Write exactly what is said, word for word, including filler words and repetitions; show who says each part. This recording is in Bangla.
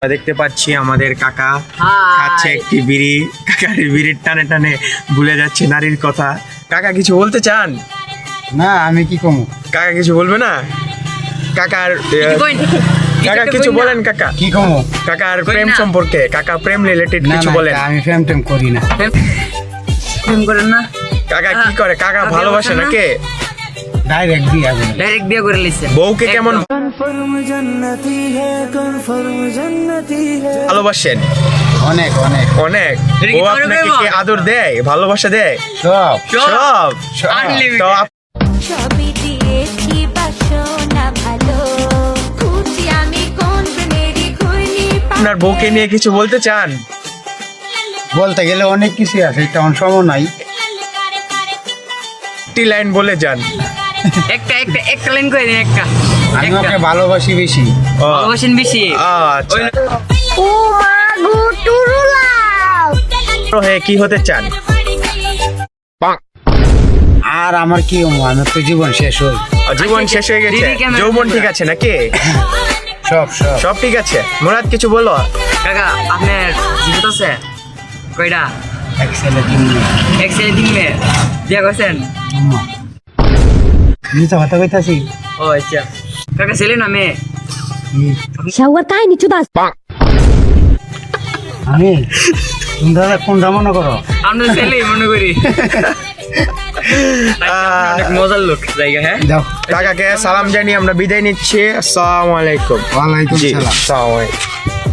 Speaker 1: দেখতে পাচ্ছি আমাদের কাকা খাচ্ছে একটি বিড়ি। কাকার বিড়ির টানে টানে ভুলে যাচ্ছে নারীর কথা। কাকা কিছু বলতে চান?
Speaker 2: না, আমি কি কমু?
Speaker 1: কাকা কিছু বলবে না? কাকার কাকা কিছু বলেন। কাকা
Speaker 2: কি কমু?
Speaker 1: কাকার প্রেম সম্পর্কে, কাকা প্রেম রিলেটেড
Speaker 2: না
Speaker 1: কিছু
Speaker 2: না,
Speaker 1: বলেন।
Speaker 2: আমি প্রেম টেম করি না।
Speaker 3: প্রেম করেন না?
Speaker 1: কাকা কি করে? কাকা
Speaker 3: আপনি
Speaker 1: ভালোবাসে
Speaker 3: বলছেন না?
Speaker 1: নাকি?
Speaker 2: ডাইরেক্ট বিয়া করে।
Speaker 3: ডাইরেক্ট বিয়ে করে লিছেন।
Speaker 1: বউকে কেমন ভালোবাসেন?
Speaker 2: অনেক অনেক
Speaker 1: অনেক।
Speaker 3: এটা কি
Speaker 1: বউ
Speaker 3: তোমার
Speaker 1: আপনাকে
Speaker 3: প্রেম?
Speaker 1: কি আদর দেয়, ভালোবাসা দেয়?
Speaker 2: সব
Speaker 1: সব।
Speaker 3: Unlimited।
Speaker 1: তো আপ-
Speaker 4: সবই দিয়েছি বাসনা ভালো খুঁজি আমি কোন প্রেমেরই খুঁজি
Speaker 1: আপনার বউকে নিয়ে কিছু বলতে চান?
Speaker 2: বলতে গেলে অনেক কিছু আছে, তেমন সময় নাই।
Speaker 1: একটি লাইন বলে যান।
Speaker 3: একটা একটা একটা লাইন করে দিন একটা।
Speaker 2: আমি
Speaker 3: একটা।
Speaker 2: ওকে ভালোবাসি বেশি।
Speaker 1: ও,
Speaker 3: ভালোবাসেন বেশি।
Speaker 1: আচ্ছা।
Speaker 3: ওই-
Speaker 4: ও মা গো টুরুলাও
Speaker 1: হয়ে কি হতে চান?
Speaker 2: আর আমার কি হবো? আমার তো জীবন শেষ হল।
Speaker 1: জীবন শেষ হয়ে গেছে,
Speaker 3: দিদি কেমন-
Speaker 1: যৌবন ঠিক আছে নাকি?
Speaker 2: সব সব
Speaker 1: সব ঠিক আছে। মুরাদ কিছু বলো।
Speaker 3: কাকা আপনার জীবিত আছে কয়টা?
Speaker 2: এক ছেলে তিন মেয়ে।
Speaker 3: এক ছেলে তিন মেয়ে বিয়ে করছেন?
Speaker 2: আম্মা। মিথ্যা কথা কইতাছি?
Speaker 3: ও আচ্ছা। কাকা ছেলে না মেয়ে?
Speaker 4: শাওয়ার কাহিনী চুদাস
Speaker 2: আমি তোমরা কোনটা মনে করো?
Speaker 3: আমরা ছেলে মনে করি। অনেক মজার লোক জায়গা। হ্যাঁ
Speaker 2: যাও।
Speaker 1: কাকাকে সালাম জানিয়ে আমরা বিদায় নিচ্ছি। আসসালামু আলাইকুম।
Speaker 2: ওয়ালাইকুম
Speaker 1: জি,
Speaker 2: সালাম।
Speaker 1: আসসালামু আলাইকুম।